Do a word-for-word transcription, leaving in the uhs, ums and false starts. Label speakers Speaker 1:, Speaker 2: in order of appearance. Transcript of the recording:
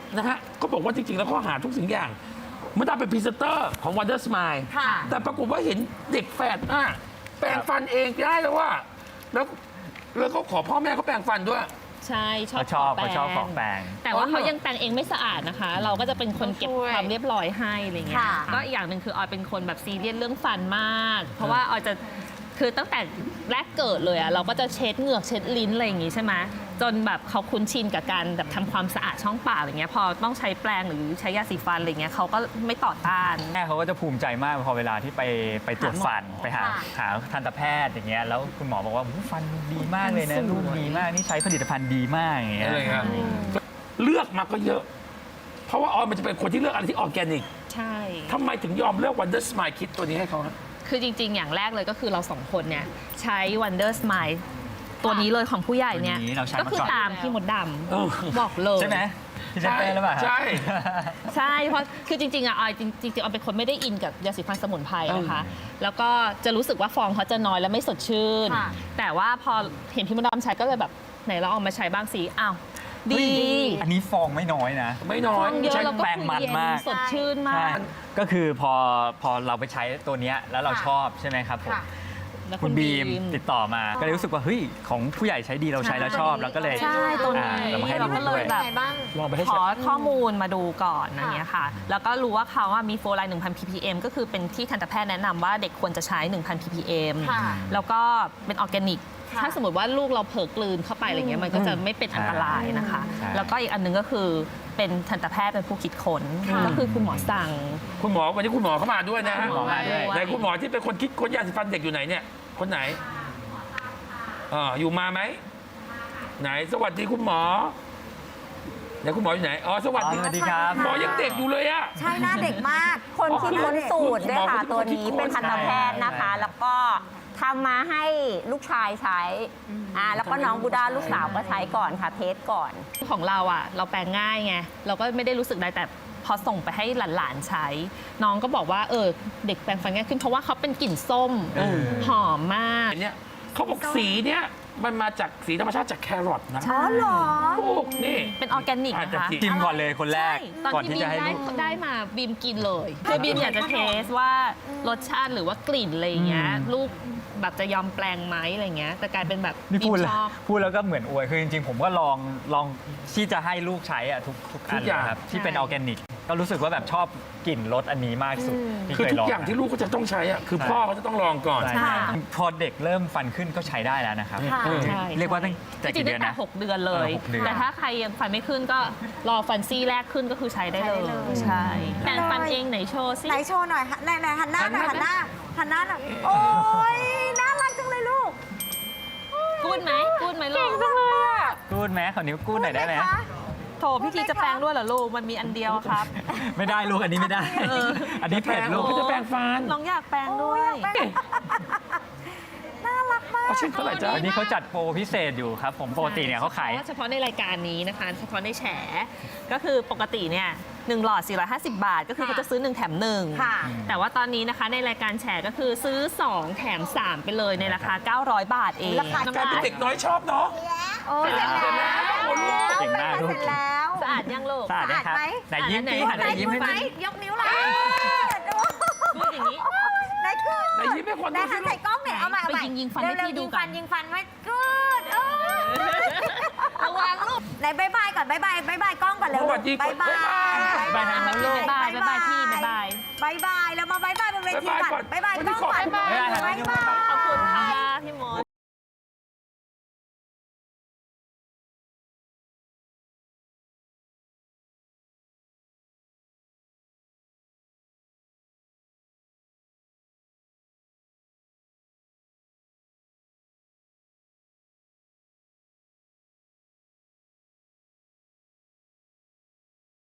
Speaker 1: นะฮะก็บอกว่าจริงๆแล้วเขาหาทุกสิ่งอย่างเมื่อตาเป็นพรีเซนเตอร์ของ Wonder Smile แต่ปรากฏว่าเห็นเด็กแฝดอ่ะแปรงฟันเองได้แล้วว่าแล้วแล้วเขาขอพ่อแม่เขาแปรงฟันด้วย
Speaker 2: ใช่ชอบ
Speaker 3: เขาชอบเขาชอบของแปรง
Speaker 2: แต่ว่าเขายังแปรงเองไม่สะอาดนะคะ เราก็จะเป็นคนเก็บความเรียบร้อยให้อะไรเงี้ยก็อีกอย่างหนึ่งคือออยเป็นคนแบบซีเรียสเรื่องฟันมาก เพราะว่าออยจะคือตั้งแต่แรกเกิดเลยอะเราก็จะเช็ดเหงือกเช็ดลิ้นอะไรอย่างงี้ใช่ไหมจนแบบเขาคุ้นชินกับการแบบทำความสะอาดช่องปากอะไรเงี้ยพอต้องใช้แปรงหรือใช้ยาสีฟันอะไรเงี้ยเขาก็ไม่ต่อต้าน
Speaker 3: แม่เขาก็จะภูมิใจมากพอเวลาที่ไปไปตรวจฟันไปหาหาทันตแพทย์อย่างเงี้ยแล้วคุณหมอบอกว่าฟันดีมากเลยนะลูกดีมากนี่ใช้ผลิตภัณฑ์ดีมากอย่างเงี้ย
Speaker 1: เลือกมาก็เยอะเพราะว่าออยมันจะเป็นคนที่เลือกอะไรที่ออร์แกนิก
Speaker 2: ใช่
Speaker 1: ทำไมถึงยอมเลือก Wonder Smile คิดตัวนี้ให้เขาฮะ
Speaker 2: คือจริงๆอย่างแรกเลยก็คือเราสองคนเนี่ยใช้ Wonder Smile ตัวนี้เลยของผู้ใหญ่เนี่ยก็คือตามที่มดดำบอกเลย
Speaker 3: ใช่ไหมที่จะเป็นหรือเปล่า
Speaker 1: ใช่
Speaker 2: ใช่เพราะคือจริงๆอ่ะออยจริงๆออยเป็นคนไม่ได้อินกับยาสีฟันสมุนไพรนะคะแล้วก็จะรู้สึกว่าฟองเขาจะน้อยและไม่สดชื่นแต่ว่าพอเห็นพี่มดดำใช้ก็เลยแบบไหนเราเอามาใช้บ้างสิอ้าวดี
Speaker 3: อันนี้ฟองไม่น้อยนะ
Speaker 1: ไม่น้อย
Speaker 2: เยอะแล้วก็แปรงมันมากสดชื่นมาก
Speaker 3: ก็คือพอพอเราไปใช้ตัวนี้แล้วเราชอบใช่ไหมครับผมคุณบีมติดต่อมาก็เลยรู้สึกว่าเฮ้ยของผู้ใหญ่ใช้ดีเราใช้แล้วชอบแล้วก็เลย
Speaker 2: ใช่ตัวนี้
Speaker 3: เรามาให้ดูด้วย
Speaker 2: ขอข้อมูลมาดูก่อนอย่างเงี้ยค่ะแล้วก็รู้ว่าเขาว่ามีโฟไลน์ หนึ่งพัน พี พี เอ็ม ก็คือเป็นที่ทันตแพทย์แนะนำว่าเด็กควรจะใช้ หนึ่งพัน พี พี เอ็ม แล้วก็เป็นออร์แกนิกถ้าสมมติว่าลูกเราเผลอกลืนเข้าไปอะไรเงี้ยมันก็จะไม่เป็นอันตรายนะคะแล้วก็อีกอันนึงก็คือเป็นทันตแพทย์เป็นผู้คิดค้นก็คือคุณหมอสั่ง
Speaker 1: คุณหมอวันนี้คุณหมอเข้ามาด้วยนะฮะไหนคุณหมอที่เป็นคนคิดค้นยาสีฟันเด็กอยู่ไหนเนี่ยคนไหนอ่าอยู่มาไหมไหนสวัสดีคุณหมอไหนคุณหมออยู่ไหนอ๋อสวัสดี
Speaker 3: สวัสดีครับ
Speaker 1: หมอยังเด็กอยู่เลยอะ
Speaker 4: ใช่หน้าเด็กมากคนคิดค้นสูตรด้วยค่ะตัวนี้เป็นทันตแพทย์นะคะแล้วก็ทำมาให้ลูกชายใช้อ่าแล้วก็น้องบูดาลูกสาวก็ใช้ก่อนค่ะเทสก่อน
Speaker 2: ของเราอ่ะเราแปลงง่ายไงเราก็ไม่ได้รู้สึกอะไรแต่พอส่งไปให้หลานๆใช้น้องก็บอกว่าเออเด็กแปลงฟันง่ายขึ้นเพราะว่าเขาเป็นกลิ่นส้มหอมมาก
Speaker 1: เนี่ยเขาบอกสีเนี่ยมันมาจากสีธรรมชาติจากแครอทนะ
Speaker 4: อ๋อเหรอ
Speaker 1: ถูกนี่
Speaker 2: เป็นออร์แกนิกนะคะ
Speaker 3: ชิมก่อนเลยคนแรก
Speaker 2: ตอนที่บีมได้ได้มาบีมกินเลยคือบีมอยากจะเทสว่ารสชาติหรือว่ากลิ่นอะไรอย่างเงี้ยลูกแบบจะยอมแปลงไหมอะไรเงี้ยแต่กลายเป็นแบบ
Speaker 3: นี่พูดแล้วพูดแล้วก็เหมือนอวยคือจริงๆผมก็ลองลองที่จะให้ลูกใช้อะทุกทุกอันครับที่เป็นออร์แกนิกก็รู้สึกว่าแบบชอบกลิ่นรสอันนี้มากสุด
Speaker 1: คือทุกอย่างที่ลูกเขาจะต้องใช้อ่ะคือพ่อเขาจะต้องลองก่อน
Speaker 3: พอเด็กเริ่มฟันขึ้นก็ใช้ได้แล้วนะครับเรียกว่าตั้งแต่กี่เดือนนะ
Speaker 2: หกเดือนเลยแต่ถ้าใครยังฟันไม่ขึ้นก็รอฟันซี่แรกขึ้นก็คือใช้ได้เลยใช่แปรงฟันเองไหนโชว์ซิ
Speaker 4: ไหนโชว์หน่อยไหนไหนหันหน้าหน่อยหันหน้าหันหน้าหน่อยโอ้ยน่ารักจังเลยลูก
Speaker 2: กูดไหมกูดไหมลูก
Speaker 3: กูดไหมขอนิ้วกูดหน่อยได้ไหม
Speaker 2: โถพี่ทีจะแปลงด้วยเหรอลูกมันมีอันเดียวครับ
Speaker 3: ไม่ได้ลูกอันนี้ไม่ได้อันนี้เผ็ดลูก
Speaker 1: จะแปลงฟัน
Speaker 2: น้องอยากแปลงด้วย
Speaker 4: น่ารักมาก
Speaker 1: ชิ้นเท่าไหร่จ้ะ
Speaker 3: อันนี้เขาจัดโปรพิเศษอยู่ครับผมปกติเนี่ยเขาขาย
Speaker 2: เฉพาะในรายการนี้นะคะเฉพาะในแฉก็คือปกติเนี่ยหนึ่งหลอดสี่ร้อยห้าสิบบาทก็คือเขาจะซื้อหนึ่งแถมหนึ่งแต่ว่าตอนนี้นะคะในรายการแฉก็คือซื้อสองแถมสามไปเลยในราคาเก้าร้อยบาทเอง
Speaker 4: ราคา
Speaker 1: การเป็นเด็กน้อยชอบเนาะ
Speaker 4: โอ้ยเสร็จแล้ว
Speaker 3: เก่งมากลูก
Speaker 2: สะอาดยังลูก
Speaker 3: สะอาดไหมไหนยิ้มดิ
Speaker 4: ไหนยิ้มไหมยกนิ้วเลย
Speaker 2: พูดอย่างนี้
Speaker 4: ไหนคือ
Speaker 1: ไหนยิ้มให้คน
Speaker 4: ดูสิใส่กล้องเนี่ยเอาใหม่เอาใหม่
Speaker 2: ยิงยิงฟันให้พี่ดู
Speaker 4: ก่อนยิงฟันไว้กูด
Speaker 2: ระวังลูก
Speaker 4: ไหนบายบายก่อนบายบายบายบายกล้องก่อนเร็วบายบาย
Speaker 2: บายบายลูกบายบายพี่บายบาย
Speaker 4: บายบายแล้วมาบายบายบนเวทีก่อนบายบายกล้องก่อนบายบาย